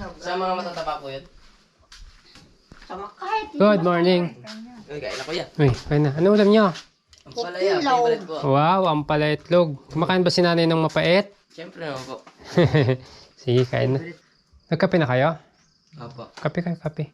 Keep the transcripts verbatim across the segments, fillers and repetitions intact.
Sa mga matataba po yun. Good morning. Uy, kain ako yan. Uy, kain na. Ano ulam nyo? Ang palaya, favorite ko. Wow, ang pala itlog. Kumakain ba si nanay ng mapait? Siyempre naman po. Sige, kain na. Nagkape na kayo? Opo. Kape kayo, kape.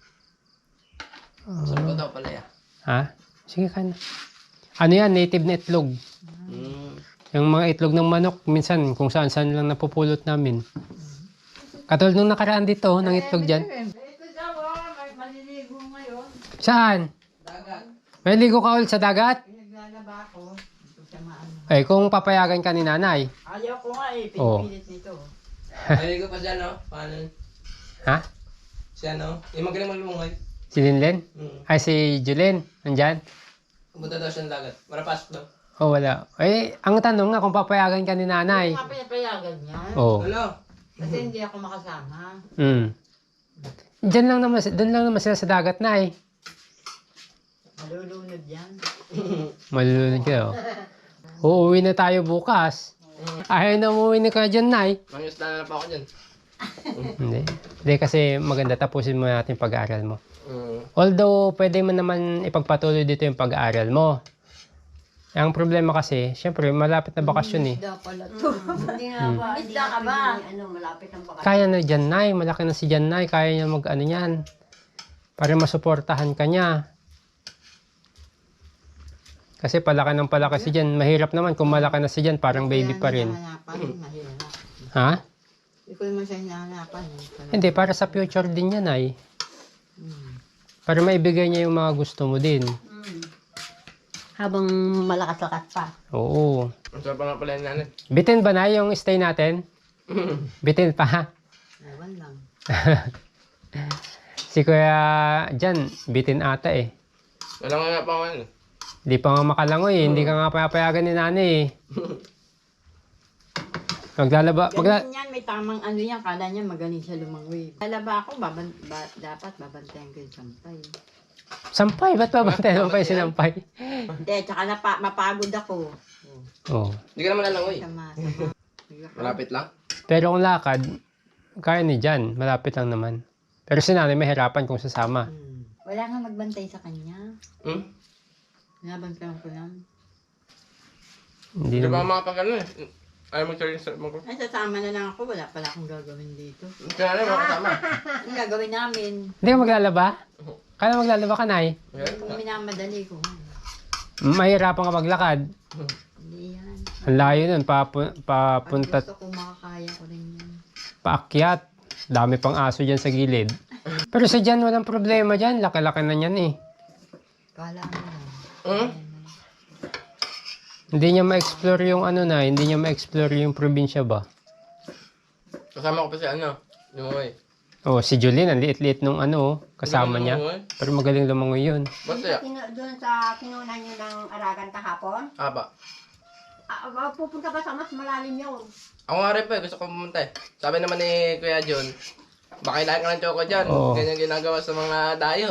Sarap ko daw palaya. Ha? Sige, kain na. Ano yan? Native na itlog. Mm. Yung mga itlog ng manok, minsan kung saan-saan lang napupulot namin. Katulad nung nakaraan dito, ng itlog dyan. Ito daw, ah, may maliligo ngayon. Saan? Dagat. May ligo ka ulit sa dagat? Naglalaba ako. Ito sa maano. Eh, kung papayagan ka ni nanay. Ayaw ko nga eh, Oo. pinipilit nito. Naligo pa siya, no? Paano? Ha? Siya, no? Yung magaling malumungay. Si Linlen? Mm. Ay, si Julien. Nandyan? Pumunta daw siya ng dagat. Marapasok daw. Oh, wala. Eh, ang tanong nga kung papayagan ka ni nanay. Hindi nga pinapayagan niya. Oh. Hello? Kasi hindi ako makasama. Mm. Diyan lang naman, doon lang naman sila sa dagat na eh. Malulunod yan. Malulunod kayo. Uuwi na tayo bukas. Ayaw na umuwi na ka dyan, Nay. Mangyusla na pa ako dyan. Hindi. Hindi kasi maganda tapusin mo natin pag-aaral mo. Mm. Although, pwede mo naman ipagpatuloy dito yung pag-aaral mo. Ang problema kasi, syempre, malapit na bakasyon eh. Isda pala to. Hindi nga ba? Hindi Isda ka nga ba? pwedeng, Ano, malapit ang bakasyon. Kaya na dyan, Nay. Malaki na si dyan, Nay. Kaya niya mag-ano yan. Para masuportahan ka niya. Kasi palaki ng palaki si dyan. Mahirap naman kung malaki na si dyan. Parang baby pa rin. Hinahangapan, mahirap. Ha? Hindi ko naman siya hinahanapan. Eh. Hindi, para sa future din yan, Nay. Hmm. Para maibigay niya yung mga gusto mo din. Habang malakas-lakas pa. Oo. Ang sarap pa nga pala yung nanay. Bitin ba na yung stay natin? Bitin pa. Ewan lang. Si Kuya dyan, bitin ata eh. Wala nga nga pa ako ano. Di pa nga makalangoy eh. Hindi ka nga papayagan ni nanay eh. Maglalaba. Magla Ganun yan, may tamang ano yan. Kala niya magaling siya lumangoy. Lalaba ako, baban, ba, dapat babantayan ko yung sampay. Sampay, ba't babantayan mo pa yung sinampay? Hindi, tsaka napa, mapagod ako. Oo. Hindi ka naman lalangoy. Sama, sama. Malapit lang. Pero kung lakad, kaya ni dyan. Malapit lang naman. Pero si nanay mahirapan kung sasama. Hmm. Wala nga magbantay sa kanya. Hmm? Nabantayan ko lang. Hindi Hindi ba naman. makapag ano eh. Ayaw mag-tuloy sa mag- Ay, sasama na lang ako. Wala pala akong gagawin dito. Kaya nanay, makasama. Ang gagawin namin, Hindi ka maglalaba? Kaya maglalaba ka, Nay? kung minamadali ko. Mahirapan ka maglakad. Hindi yan. Ang layo nun, papu Pag papunta, gusto ko makakaya ko rin yan. paakyat. Dami pang aso dyan sa gilid. Pero sa dyan, walang problema dyan. Laki-laki na yan eh. Kala mo lang. Hmm? Hindi niya ma-explore yung ano na, hindi niya ma-explore yung probinsya ba? Kasama ko pa si ano. Lumangoy. Oh, si Julien, ang liit-liit nung ano, kasama Hindi niya. lumangoy. Pero magaling lumangoy yun. Ba't kaya? Kinu- Doon sa kinunan nyo ng Aragan kahapon, Aba. ah, ah, pupunta ka sa mas malalim yun. Ako nga rin pa eh. Gusto ko pumunta eh. Sabi naman ni Kuya John, baka kailangan ka ng choco dyan. Oo. Ganyan ginagawa sa mga dayo.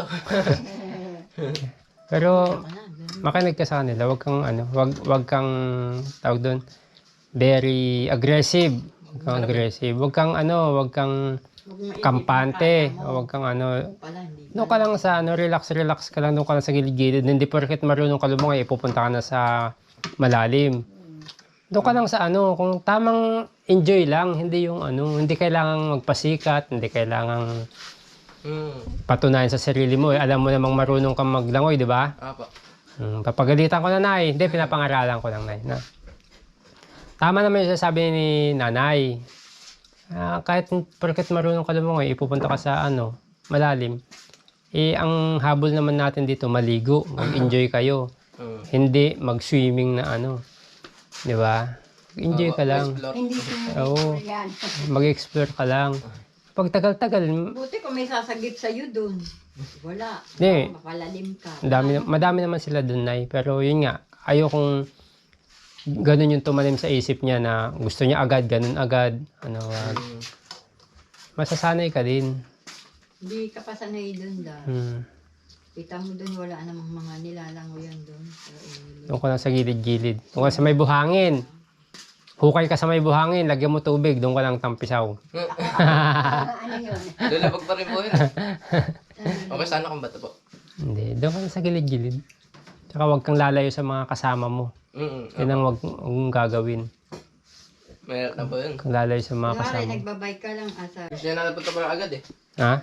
Pero Wala, ganun. makinig ka sa kanila, wag kang ano, wag wag kang tawag doon very aggressive. Wag kang aggressive. Wag kang ano, wag kang Huwag mo isipin kampante. kaya mo. O wag kang ano, Pala, hindi doon ka lang sa ano, relax relax ka lang doon ka lang sa gilid-gilid. Hindi porket marunong ka lumangoy, ipupunta ka na sa malalim. Doon ka lang sa ano, kung tamang enjoy lang, hindi yung ano, hindi kailangang magpasikat, hindi kailangang Hmm. patunayan sa sarili mo. Eh. Alam mo namang marunong kang maglangoy, di ba? Apa. Hmm, papagalitan ko na, Nay. Hindi, pinapangaralan ko lang, Nay. Na. Tama naman yung sasabi ni Nanay. Ah, kahit porket marunong ka lumangoy, ipupunta ka sa ano, malalim. Eh, ang habol naman natin dito, maligo. Mag-enjoy kayo. Hmm. Hindi mag-swimming na ano. Di ba? Enjoy ka lang. Explore. Hindi swimming Oo. pool yan. Mag-explore ka lang. Pag tagal-tagal, Buti kung may sasagip sa'yo dun. Wala. Hindi. Baka mapalalim ka. Dami, madami naman sila dun, Nay. Pero yun nga, ayokong ganun yung tumanim sa isip niya na gusto niya agad, ganun agad. Ano, wag. Hmm. Masasanay ka din. Hindi ka pa sanay dun da. Hmm. Kita mo dun, wala namang mga nilalangoyan dun. Pero, eh, Doon ka lang sa gilid-gilid. Doon ka sa may buhangin. Hukay ka sa may buhangin, lagyan mo tubig, doon ka lang tampisaw. Ano yun? Lulabog pa rin po yun. Okay, sana kung bato po. Hindi, doon ka na sa gilid-gilid. Tsaka huwag kang lalayo sa mga kasama mo. Mm Yan ang huwag huwag mong gagawin. Mahirap na po yun. Kung lalayo sa mga Kunwari, kasama mo. nagbabike ka lang asa. Gusto niya na napunta pa lang agad eh. Ha?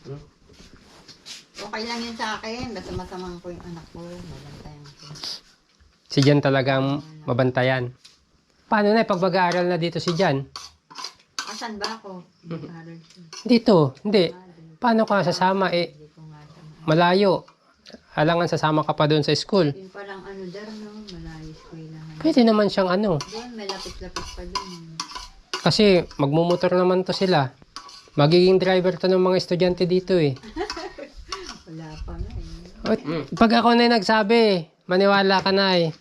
Okay lang yun sa akin. Basta masamang ko yung anak ko. Mabantayan ko. Si Jan talagang mabantayan. Paano na, pag mag-aaral na dito si Jan? Asan ba ako? Aral siya. Dito, hindi. Paano ka sasama? Eh, Hindi ko nga siya ma- malayo. Alangan sasama ka pa doon sa school. Yun palang ano dar, no? Malayos ko lang. Pwede naman siyang ano. Doon, may lapis-lapis pa doon. Kasi magmumotor naman to sila. Magiging driver to ng mga estudyante dito eh. Wala pa nga eh. At pag ako na yung nagsabi, maniwala ka na eh.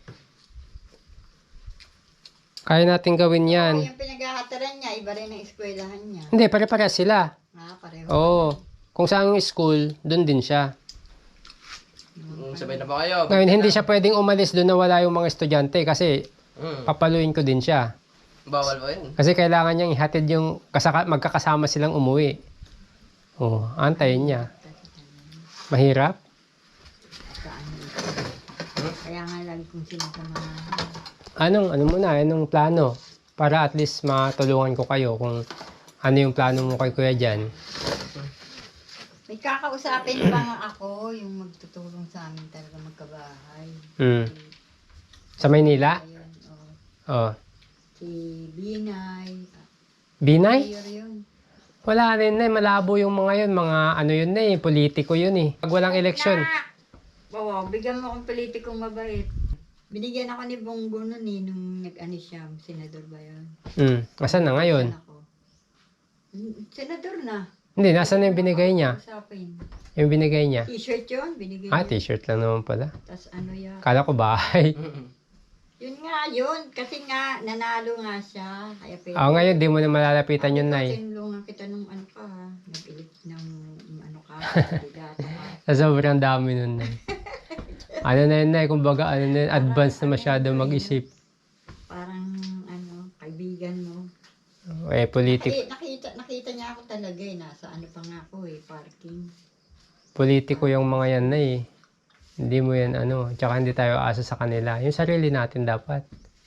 Kaya natin gawin yan. Oh, yung pinag-ahataran niya, iba rin ang eskwelahan niya. Hindi, pare-pare sila. Ah, pareho. Oo. Kung saan yung school, doon din siya. Mm, sabay na ba kayo? Ngayon, hindi siya pwedeng umalis doon na wala yung mga estudyante kasi Mm. papaluin ko din siya. Bawal ba yun? Kasi kailangan niyang ihatid yung kasaka, magkakasama silang umuwi. Oo, antayin niya. Mahirap? Saan ito? Kaya nga lagi kong sinasamahan. Anong, ano muna, anong plano? Para at least matulungan ko kayo kung ano yung plano mo kay Kuya Jan. May kakausapin pa nga ako yung magtutulong sa amin talaga magkabahay. Hmm. Sa Maynila? Ayun, oh. Oh. Si Binay. Binay? Mayor yun. Wala rin na, eh. Malabo yung mga yun. Mga ano yun na eh, politiko yun eh. Pag walang eleksyon. Oo, bigyan mo akong politikong mabait. Binigyan ako ni Bongo nun eh, nung nag-ano siya, senador ba yun? Hmm. Asan na ngayon? Ako. Mm, Senador na. Hindi, nasa na yung binigay niya? Usapin. Yung binigay niya? T-shirt yun, binigay Ah, niya. t-shirt lang naman pala. Tapos ano yan. Kala ko bahay. Mm-mm. Yun nga, yun. Kasi nga, nanalo nga siya. Kaya pwede. Ah, ngayon, di mo na malalapitan yun, Nay. Tinulungan kita nung ano ka, ha? Nag-elect ng ng ano ka, kandidato ka. Sa sobrang dami nun, Nay. Ano na yun, Nay? Kumbaga, ano na yun, advance na masyado mag-isip. Parang, ano, kaibigan mo. Eh, politik, Kasi nakita, nakita niya ako talaga eh. Nasa ano pa nga ako eh, parking. politiko yung mga yan, Nay. Hindi mo yan, ano, tsaka hindi tayo asa sa kanila. Yung sarili natin dapat.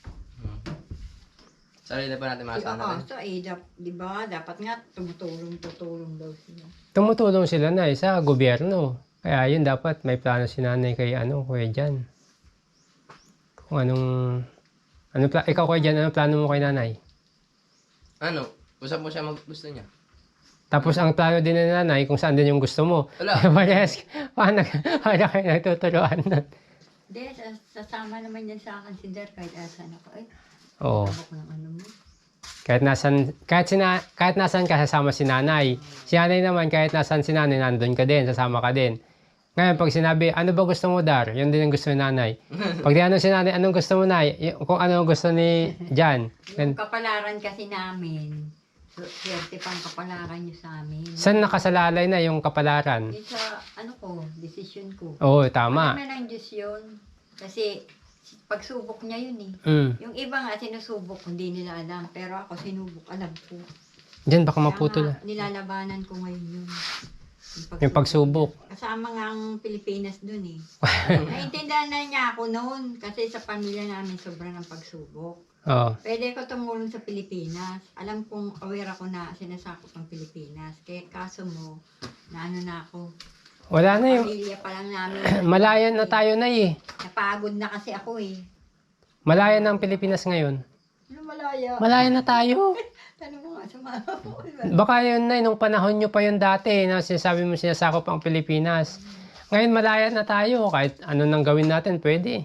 Sarili pa natin Si makasana rin. Akaso eh, dap, di ba? Dapat nga tumutulong, tutulong daw sila. Tumutulong sila, Nay, sa gobyerno. Kaya yun, dapat may plano si nanay kay, ano, Kuya Jan. Kung anong, ano, pla- ikaw, Kuya Jan, ano plano mo kay nanay? Ano? Usap mo siya mag gusto niya. Tapos ang plano din ng nanay kung saan din yung gusto mo. Wala. Parehas, paano, paano kayo nagtuturuan nun? Hindi, sas- sasama naman yan sa akin si Dar kahit asan ako. Ay, Oo. tabak ng ano mo. Kahit nasan, kahit, sina, kahit nasan ka, sasama si nanay. Si nanay naman, kahit nasan si nanay, nandun ka din, sasama ka din. Ngayon, pag sinabi, ano ba gusto mo, Dar? Yun din ang gusto ni nanay. Pag tinanong si nanay, anong gusto mo, Nay? Y- Kung ano ang gusto ni Jan. Yung kapalaran kasi namin, so, swerte pang kapalaran niyo sa amin. Saan nakasalalay na yung kapalaran? Yung sa, ano ko, decision ko. Oo, tama. Alam na ng Diyos yun. Kasi, pagsubok niya yun eh. Mm. Yung iba nga, sinusubok, hindi nila alam. Pero ako, sinubok, alam ko. Diyan, baka Kaya maputol. nga, nilalabanan ko ngayon yun. Yung pagsubok. Kasama nga ang Pilipinas dun eh. Naintindihan na niya ako noon. Kasi sa pamilya namin, sobrang ang pagsubok. Oo. Pwede ko tumulong sa Pilipinas. Alam kong aware ako na sinasakop ang Pilipinas. Kaya kaso mo, na ano na ako. Wala na yung... Pamilya pa lang namin. Malayan na tayo na eh. Napagod na kasi ako eh. Malayan na ang Pilipinas ngayon. Ano malaya? Malayan na tayo. Ano mo nga sa mama mo? Baka yun na, nung panahon nyo pa yun dati, na sinasabi mo sinasakop ang Pilipinas. Ngayon malaya na tayo. Kahit ano nang gawin natin, pwede.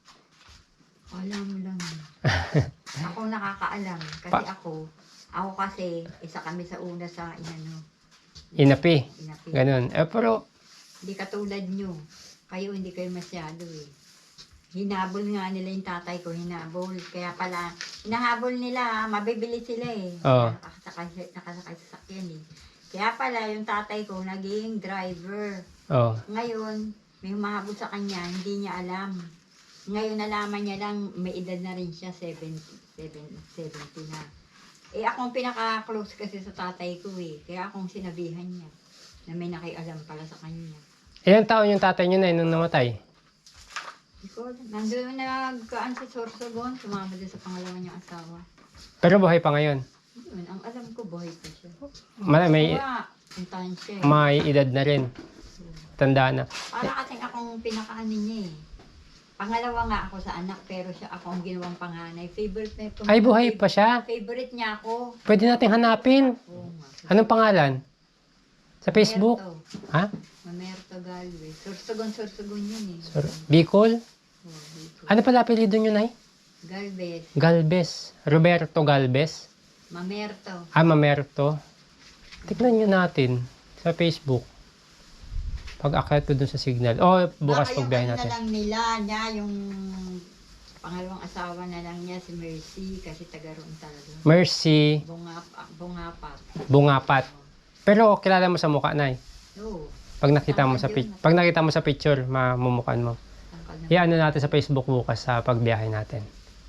Alam mo lang. Ako nakakaalam. Kasi Pa- ako, ako kasi, isa kami sa una sa inano. Inapi. Inapi. Ganun. Eh, pero, Hindi katulad nyo. Kayo hindi kayo masyado eh. Hinabol nga nila yung tatay ko, hinabol. Kaya pala, hinahabol nila, mabibili sila eh. Oo. Nakasakay, nakasakay sa sakyan eh. Kaya pala, yung tatay ko, naging driver. oh, Ngayon, may humahabol sa kanya, hindi niya alam. Ngayon, nalaman niya lang, may edad na rin siya, seventy, seventy, seventy na. Eh, akong pinaka-close kasi sa tatay ko eh. Kaya akong sinabihan niya na may nakialam pala sa kanya. Ilang taon yung tatay niyo na nung namatay? Hindi ko alam. Nandun nagkaan si Sorsogon, sumama doon sa pangalawa niyang asawa. Pero buhay pa ngayon. Yun, ang alam ko, buhay pa siya. Ma- May, Kaya, puntahan siya eh. may edad na rin. Tanda na. Para kasing akong pinakaano niya eh. Pangalawa nga ako sa anak, pero siya ako ang ginawang panganay. Favorite na ito. Ay, buhay pa siya. Favorite niya ako. Pwede nating hanapin. Oo nga. Anong pangalan? Sa Facebook? Mamerto. Ha? Mamerto Galvez. Sorsogon, Sorsogon yun eh. Sor- Bicol? Oh, dito. Ano pala apelido nyo, Nay? Galvez. Galvez. Roberto Galvez. Mamerto. Ah, Mamerto. Tignan nyo natin sa Facebook. Pag akyat ko dun sa signal. O, bukas Baka yung pagbiyahe ano natin. na lang nila, niya, yung pangalawang asawa na lang niya, si Mercy, kasi taga roon talaga. Mercy Bungap, bungapat. Bungapat. Pero kilala mo sa mukha, Nay. Oo. Pag nakita mo sa Tama pic- yun. pag nakita mo sa picture, mamumukan mo. Tangkal na. Iano natin sa Facebook bukas sa pagbiyahe natin.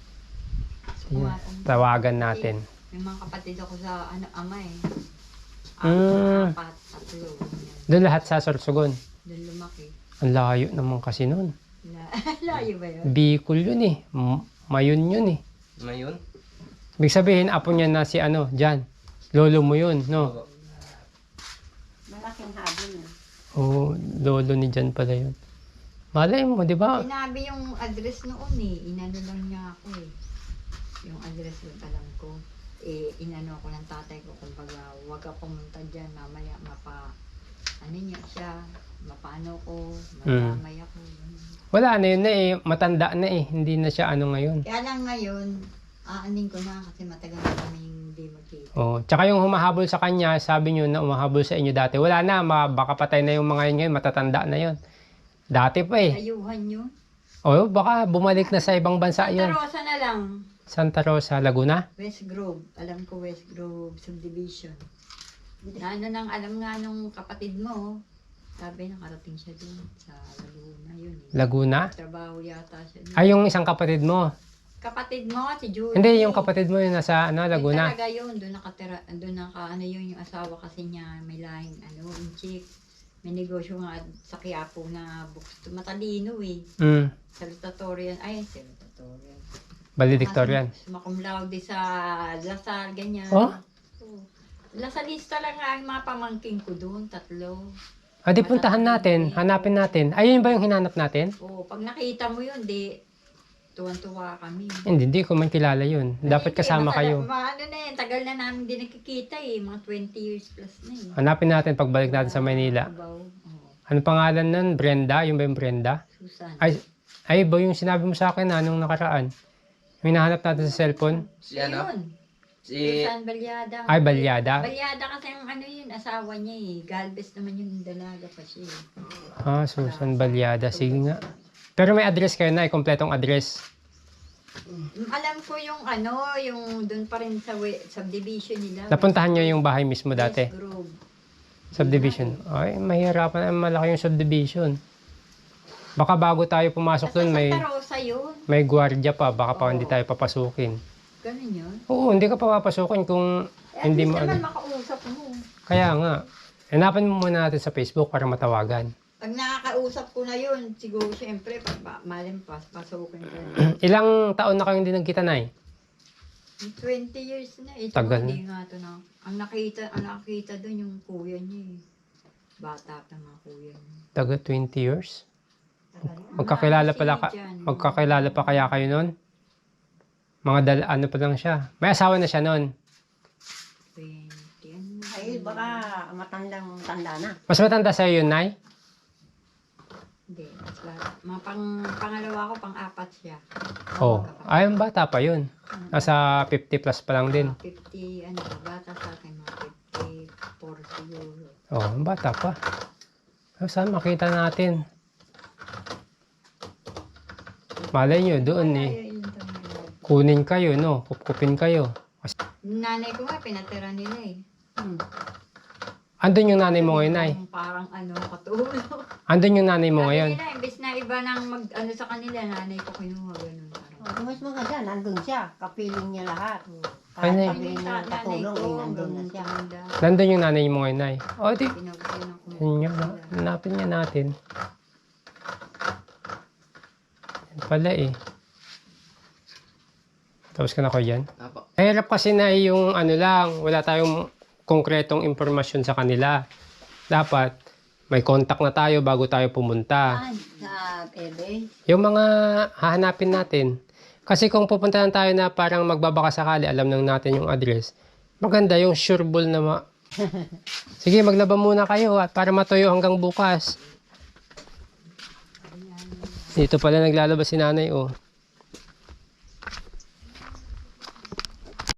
Bungapat. Tawagan natin. May mga kapatid ako sa ano, ama eh. Mm. Apat, tatlo. ganyan. Doon lahat sa Sorsogon. Doon lumaki. Ang layo naman kasi nun. La- Layo ba yun? Bicol yun eh. M- Mayon yun eh. Ngayon? Ibig sabihin, apo niya na si ano, Jan. Lolo mo yun, no? Malaking habol na. Oo, lolo ni Jan pala yun. Malay mo, di ba? Sinabi yung address noon eh. Inano lang niya ako eh. Yung address yung alam ko. Eh, inano ako ng tatay ko. Kumbaga, huwag ka pumunta dyan. Mamaya, mapa... Ano niya siya. Mapaano ko. Madamay ako. ganun. Wala na yun na eh. Matanda na eh. Hindi na siya ano ngayon. Kaya lang ngayon, aanin ko na kasi matagal na kami hindi magkita. Oh, tsaka yung humahabol sa kanya, sabi niyo na umahabol sa inyo dati. Wala na, ma- baka patay na yung mga yun ngayon, matatanda na yun. Dati pa eh. Ayuhan yun. Oh, baka bumalik na sa ibang bansa Santa yun. Rosa na lang. Santa Rosa, Laguna? West Grove. Alam ko West Grove Subdivision. Na ano nang alam nga nung kapatid mo. Sabi nakarating siya dun sa Laguna yun eh. Laguna? Trabaho yata siya dun. Ay, yung isang kapatid mo. Kapatid mo, si Julie. Hindi, yung kapatid mo yun nasa ano, Yun Laguna. talaga yun. Doon nakatira, doon naka, ano yun, yung asawa kasi niya, may lahing, ano, yung chick. May negosyo nga sa Quiapo na bookstore. Matalino eh. Mm, Salutatorian. Ay, salutatorian. valedictorian. Sumakum laude sa Lasal, ganyan. Oh? Oo. Lasalista lang nga ang mga pamangking ko doon, tatlo. Ah, di puntahan natin, hanapin natin. Ayun ba yung hinanap natin? Oo, pag nakita mo yun, di, tuwan-tuwa kami. Hindi, di ko man kilala yun. Dapat Hindi, kasama matagal- kayo. Mga ano na yan, tagal na namin din nakikita eh. Mga twenty years plus na eh. Hanapin natin pagbalik natin sa Manila. Abaw. Oo. Ano pangalan nun? Brenda? Yung ba yung Brenda? Susan. Ay, ay ba yung sinabi mo sa akin na nung nakaraan? Yung hinahanap natin sa cellphone? Si ano? Ayun. Si... Susan Balyada. Ay, Balyada? Balyada kasi ang ano yun, asawa niya eh. Galvez naman yung dalaga pa siya eh. Ah, Susan Balyada. Sige nga. Pero may address kayo na, kompletong address. Alam ko yung ano, yung doon pa rin sa we- subdivision nila. Napuntahan nyo yung bahay mismo dati? West Grove. Subdivision. Ay, mahirapan. Ay, malaki yung subdivision. Baka bago tayo pumasok Sa dun, may, Santa Rosa yun. may gwardiya pa. Baka pa Oo. hindi tayo papasukin. Ganun yun. Oo, hindi ka pa papasukin kung Eh, hindi hindi mo naman ano. makausap mo. Kaya nga. Hanapan mo muna natin sa Facebook para matawagan. Pag nakakausap ko na yun, siguro siyempre, pag ba- malimpas, pasukin ko na. Ilang taon na kayong hindi nagkita, Nay? twenty years na. Ito Tagal. hindi nga to na. Ang nakita, ang nakita doon yung kuya niya eh. Bata pa mga kuya niya. Taga twenty years? Tagal. Magkakilala Marami pala sila ka, dyan. magkakilala pa kaya kayo nun? Mga dal, ano pa lang siya. May asawa na siya nun. twenty, ano? Ay, baka matandang tanda na. Mas matanda sa'yo yun, Nay? Hindi, mas bata. Mga pang, pangalawa ko, pang-apat siya. Oo. Oh. Magkapatid. Ay, ang bata pa yun. Nasa fifty plus pa lang din. Mga fifty, ano, bata sa akin, mga fifty-four siguro. Oo, oh, ang bata pa. Oh, saan makita natin? Malay nyo, doon eh. Ay, yun talaga. Kunin kayo, no? Kupkupin kayo. Yung nanay ko nga, pinatira nila eh. Hmm. Andun yung nanay mo ngayon, Nay. Yung Parang ano, katulog. Andun yung nanay mo Sabi ngayon. nila, imbes na iba nang mag, ano sa kanila, nanay ko kinuha, ganun. Parang Oh, di mas maganda, nandun siya. Kapiling niya lahat. Ay, Kahit Nay. sabihin niya ng katulong, eh, nandun na siya. Nandun yung nanay mo ngayon, Nay. O, di. Pinagsinan ko. Yun nga, no? Hanapin nga natin. Yan pala eh. Tapos ka na ko yan. Apo. Mahirap kasi na yung ano lang, wala tayong konkretong impormasyon sa kanila. Dapat may contact na tayo bago tayo pumunta. Saan? Sa Ebe? Yung mga hahanapin natin. Kasi kung pupunta lang tayo na parang magbabaka sakali, alam nang natin yung address. Maganda yung sureball na ma... Sige, maglaba muna kayo at para matuyo hanggang bukas. Dito pala naglalaba si nanay, oh.